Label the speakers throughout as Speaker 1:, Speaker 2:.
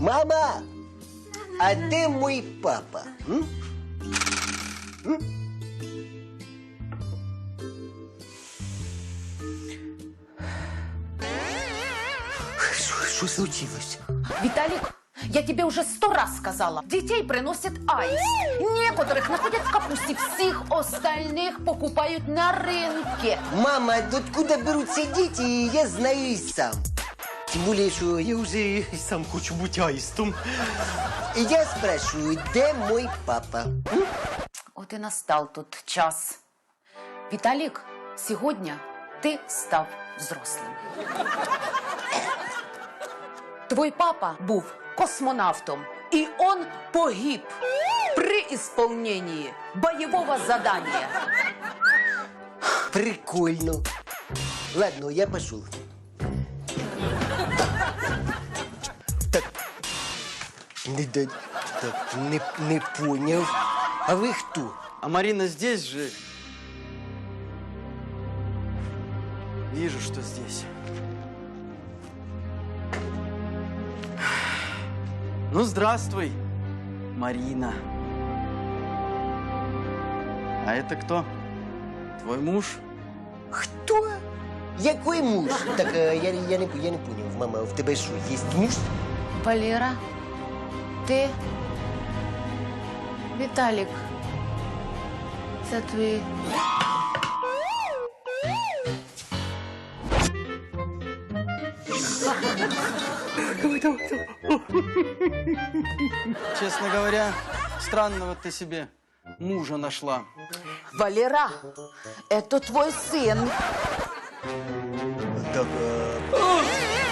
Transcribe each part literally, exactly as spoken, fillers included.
Speaker 1: Мама, а де мой папа? М? М? Що, що случилось?
Speaker 2: Виталик, я тебе уже сто раз сказала. Детей приносит айс. Некоторых находят в капусте, всех остальных покупают на рынке.
Speaker 1: Мама, откуда берутся дети, я знаю и сам. Тем более, что я уже и сам хочу быть аистом. И я спрашиваю, где мой папа? М?
Speaker 2: Вот и настал тот час. Виталик, сегодня ты став взрослым. Твой папа був космонавтом, и он погиб при исполнении боевого задания.
Speaker 1: Прикольно. Ладно, я пошел. Так, не, да, так, не, не понял. А вы кто?
Speaker 3: А Марина здесь же? Вижу, что здесь. Ну, здравствуй, Марина. А это кто? Твой муж?
Speaker 1: Кто? Який муж? Так, е, я, я, не, я не понял. Мама, в тебе що, є муж?
Speaker 2: Валера, ты... Виталик, це твій...
Speaker 3: Честно говоря, странного ты себе мужа нашла.
Speaker 2: Валера, это твой сын.
Speaker 1: Так, е,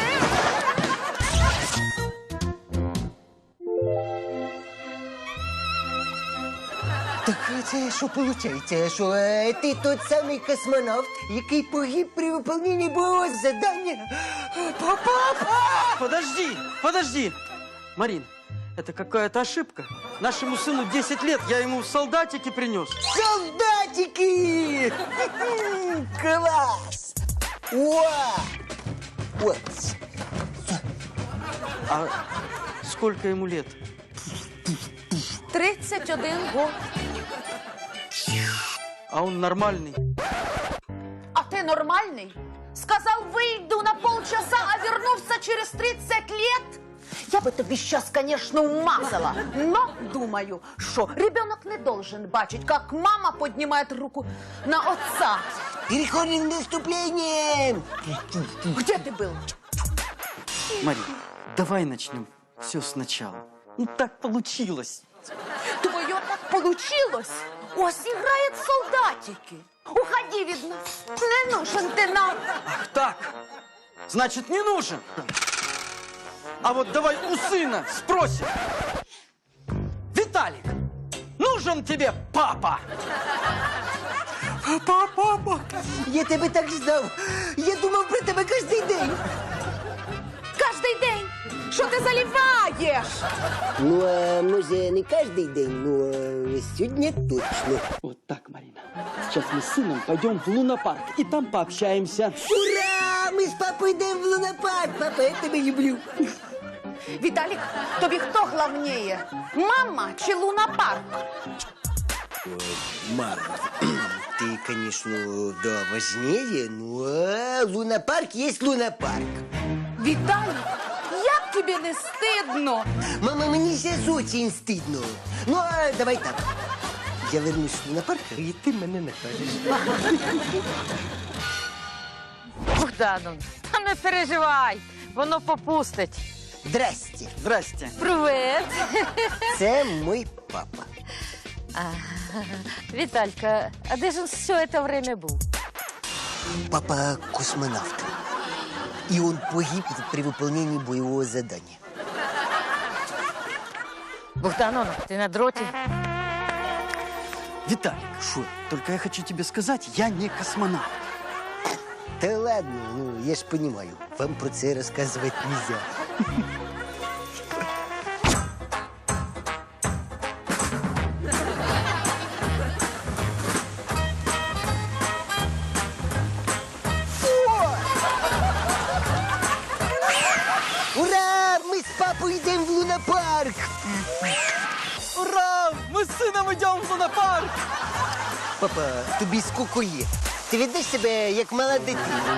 Speaker 1: Так це що виходить? Що е, ти тот самий космонавт, який погиб при виконанні бойового завдання? Папа!
Speaker 3: Подожди, подожди. Марин, это какая-то ошибка. Нашему сыну десять лет, я ему солдатики принес.
Speaker 1: Солдатики! Класс! Уа! Вот.
Speaker 3: А сколько ему лет?
Speaker 2: тридцать один год.
Speaker 3: А он нормальный.
Speaker 2: А ты нормальный? Сказал, выйду на полчаса, а вернулся через тридцать лет? Я бы тебе сейчас, конечно, умазала, но думаю, что ребенок не должен бачить, как мама поднимает руку на отца.
Speaker 1: Переходим к наступлениям!
Speaker 2: Где ты был?
Speaker 3: Марин, давай начнем все сначала. Ну так получилось.
Speaker 2: Твое так получилось? Ось играет солдатики. Уходи, видно. Не нужен ты нам.
Speaker 3: Ах так, значит, не нужен. А вот давай у сына спросим. Виталик, нужен тебе папа?
Speaker 1: Папа, папа! Я тебе так ждав! Я думав про тебе кожен день!
Speaker 2: Каждый день. Что ты заливаешь?
Speaker 1: Ну, а може не кожен день, но сьогодні точно.
Speaker 3: Вот так, Марина. Сейчас мы с сыном пойдем в лунопарк и там пообщаемся.
Speaker 1: Ура! Ми з папою йдемо в лунопарк! Папа, я тебе люблю!
Speaker 2: Виталик, тобі хто главнее? Мама чи лунопарк?
Speaker 1: Мама, ты, конечно, да, важнее, но лунопарк есть лунопарк.
Speaker 2: Виталик, як тобі не стидно?
Speaker 1: Мама, мне сейчас очень стыдно. Ну, а давай так. Я вернусь в лунопарк, и ты мене накажеш.
Speaker 4: Богдану, та не переживай, воно попустить.
Speaker 1: Здрасте.
Speaker 3: Здрасте.
Speaker 4: Привет.
Speaker 1: Це мой папа.
Speaker 4: Віталька, а де ж він все це время був?
Speaker 1: Папа космонавт. И он погиб при выполнении боевого задания.
Speaker 4: Богдановна, ти на дроті?
Speaker 3: Виталик, шо? Только я хочу тебе сказать, я не космонавт.
Speaker 1: Да ладно, ну, я ж понимаю, вам про це рассказывать нельзя. Папа, йдемо в лунопарк.
Speaker 3: Ура! Мы с сыном идем в лунопарк!
Speaker 1: Папа, тобі скільки є? Ти ведеш себе як мала дитина.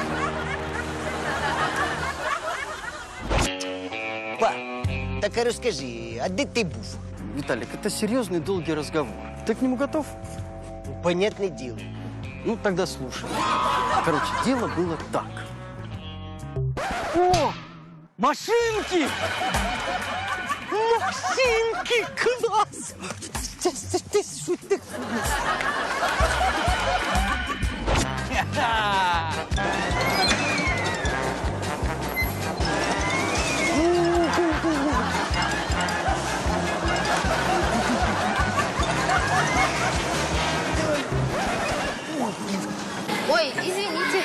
Speaker 1: Па, так а розкажи, а де ти був?
Speaker 3: Виталик, это серьезный долгий разговор. Ты к нему готов?
Speaker 1: Понятне діло.
Speaker 3: Ну, тогда слушай. Короче, дело было так. О! Машинки!
Speaker 1: Машинки, клас! Ти, ти, ти що ти?
Speaker 5: Ой, извините.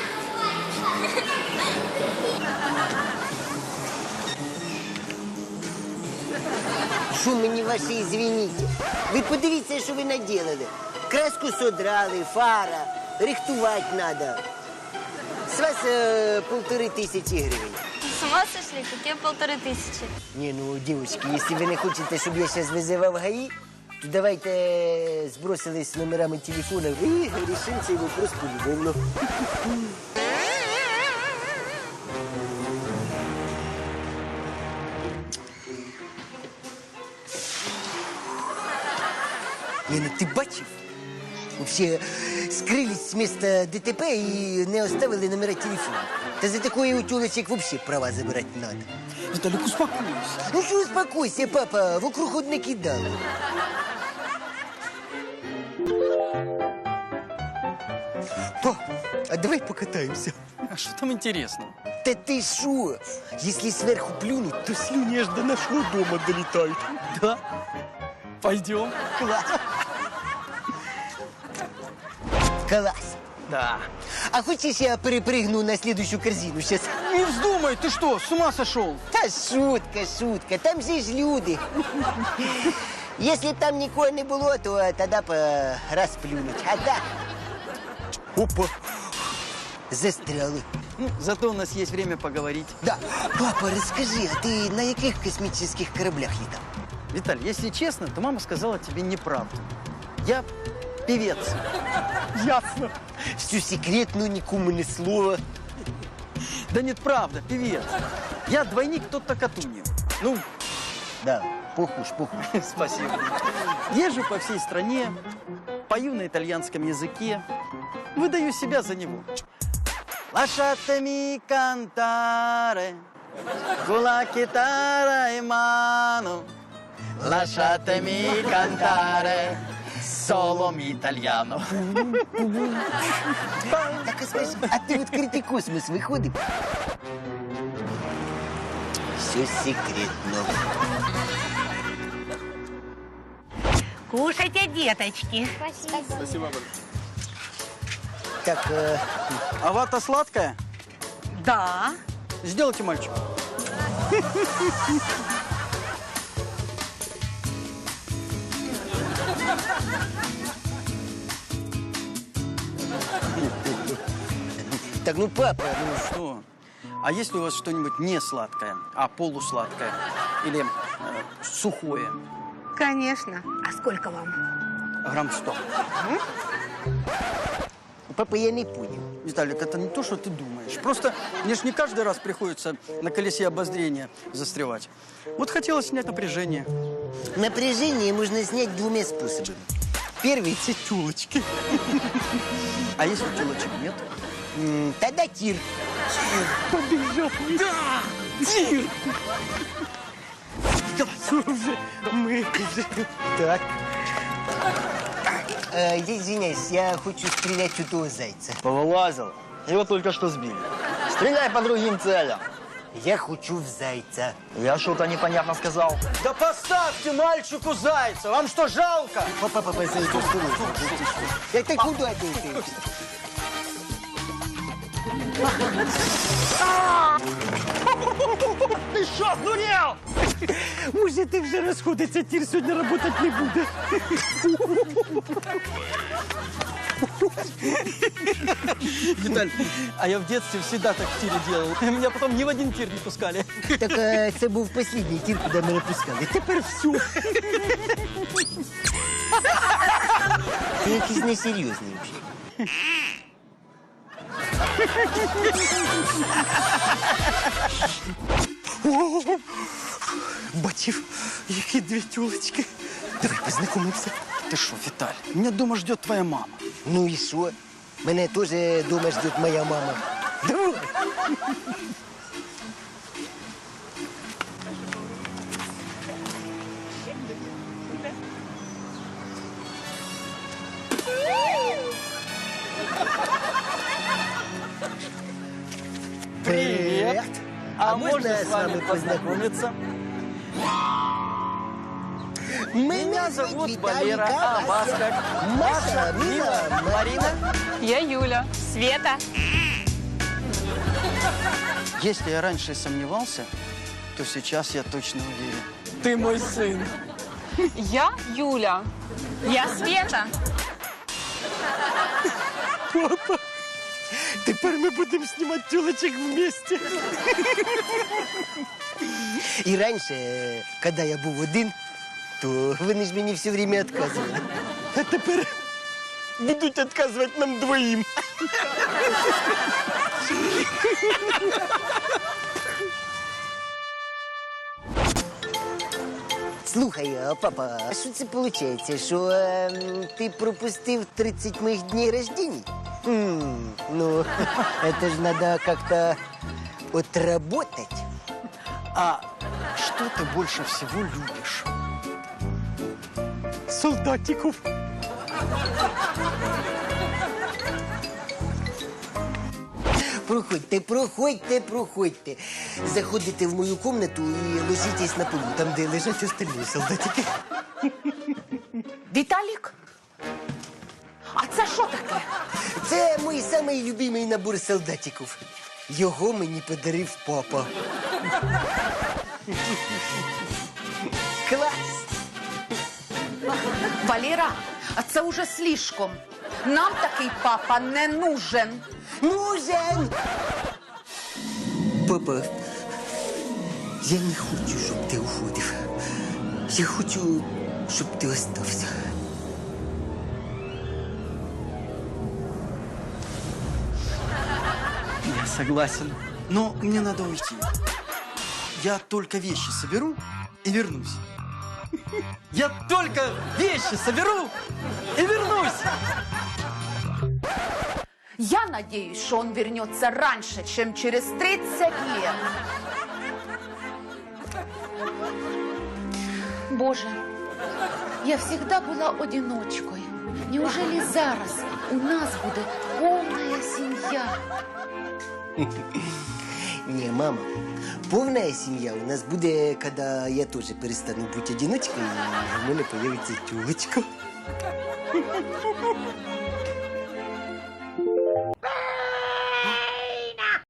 Speaker 1: Що мені ваші извините? Ви подивіться, що ви наділили. Краску содрали, фара, рихтувати треба. З вас е, полтори тисячі гривень.
Speaker 5: С ума сошли? Какие полторы тысячи?
Speaker 1: Не, ну, девочки, если вы не хотите, чтобы я сейчас вызывал ГАИ, то давайте сбросились номерами телефонов и решим цей вопрос по-любому. Не, ну ти бачив? Вообще скрылись с места ДТП и не оставили номера телефона. Та за такое у тёлочек вообще права забирать надо.
Speaker 3: Виталик, успокойся.
Speaker 1: Ну что успокойся, папа, вокруг хоть накидал. Па, а давай покатаемся.
Speaker 3: А что там интересного?
Speaker 1: Да ты шо? Если сверху плюнуть, то слюни аж до нашего дома долетают.
Speaker 3: Да? Пойдем.
Speaker 1: Класс. Класс.
Speaker 3: Да.
Speaker 1: А хочешь, я перепрыгну на следующую корзину сейчас?
Speaker 3: Не вздумай, ты что, с ума сошел?
Speaker 1: Та шутка, шутка, там же ж люди. Если б там никого не было, то тогда по расплюнуть. А так... Опа! Застряли.
Speaker 3: Ну, зато у нас есть время поговорить.
Speaker 1: Да. Папа, расскажи, а ты на каких космических кораблях летал?
Speaker 3: Виталь, если честно, то мама сказала тебе неправду. Я певец.
Speaker 1: Ясно. Всю секретную, никому ни слова.
Speaker 3: Да нет, правда, певец. Я двойник Тотто Катуньи. Ну,
Speaker 1: Да, похуж, похуж.
Speaker 3: спасибо. Езжу по всей стране, пою на итальянском языке, выдаю себя за него. Lasciatemi cantare con la chitarra in mano. Lasciatemi cantare solo italiano.
Speaker 1: Так, а скажи, а ты в открытый космос выходишь? Все секретно.
Speaker 6: Кушайте, деточки.
Speaker 1: Так, э,
Speaker 3: А вата сладкая?
Speaker 6: Да.
Speaker 3: Сделайте мальчик.
Speaker 1: так, ну, папа, ну,
Speaker 3: Что? А есть ли у вас что-нибудь не сладкое, а полусладкое? Или э, сухое?
Speaker 6: Конечно. А сколько вам?
Speaker 3: Грамм сто.
Speaker 1: папа, я не понял.
Speaker 3: Виталик, это не то, что ты думаешь. Просто мне ж не каждый раз приходится на колесе обозрения застревать. Вот хотелось снять напряжение.
Speaker 1: Напряжение можно снять двумя способами. Первый – это тёлочки.
Speaker 3: А если телочек нет?
Speaker 1: М, Тогда тир.
Speaker 3: Побежал. Да! Тир!
Speaker 1: Уже, мы уже. Так. Э, я извиняюсь, я хочу стрелять в этого зайца.
Speaker 7: Повылазил. Его только что сбили. Стреляй по другим целям.
Speaker 1: Я хочу в зайца.
Speaker 7: Я что-то непонятно сказал.
Speaker 3: Да поставьте мальчику зайца! Вам что, жалко?
Speaker 1: Папа, папа, зайца, осторожно. Это куда ты? ты?
Speaker 7: Ты что, сдурел?
Speaker 1: Можете вже розходитися, тір сьогодні працювати не буде.
Speaker 3: Виталь, а я в детстве всегда так в тире делал. Меня потом ни в один тир не пускали.
Speaker 1: Так е, це був останній тір, куди мене пускали. Тепер все. Ти якийсь несерйозний вже.
Speaker 3: Бачив, які дві тюлечки.
Speaker 1: Давай познайомимося.
Speaker 3: Ты что, Виталь, меня дома ждет твоя мама.
Speaker 1: Ну і що? Мене теж дома ждет моя мама. Давай.
Speaker 3: Привет.
Speaker 1: А можно с вами познакомиться?
Speaker 3: Меня зовут Валера, а вас как?
Speaker 1: Маша, Мила, Марина.
Speaker 6: Я Юля. Света.
Speaker 3: Если я раньше сомневался, то сейчас я точно уверен. Ты мой сын.
Speaker 6: Я Юля. Я Света.
Speaker 1: Тепер ми будемо знімати тюлечок вместе. І раніше, коли я був один, то вони ж мені все время відказували. А тепер будуть відказувати нам двоїм. Слухай, а, папа, а що це виходить, що ем, ти пропустив тридцять моїх днів рождения? М, ну, это же надо как-то отработать.
Speaker 3: А что ты больше всего любишь?
Speaker 1: Солдатиков. Проходьте, проходьте, проходьте. Заходите в мою комнату і ложитесь на полу, там, де лежать остальні солдатики.
Speaker 2: Віталік? А це що таке?
Speaker 1: Це мій самий любимий набор солдатиків. Його мені подарив папа. Клас!
Speaker 2: Валера, а це уже слишком. Нам такий папа не нужен.
Speaker 1: Нужен! Папа, я не хочу, щоб ти уходив. Я хочу, щоб ти остався.
Speaker 3: Я согласен. Но мне надо уйти. Я только вещи соберу и вернусь. Я только вещи соберу и вернусь.
Speaker 2: Я надеюсь, что он вернется раньше, чем через тридцать лет. Боже, я всегда была одиночкой. Неужели зараз у нас будет полная семья?
Speaker 1: Не, мама, повна сім'я у нас буде, коли я теж перестану бути одиночкою, і в мене появиться тюлечка.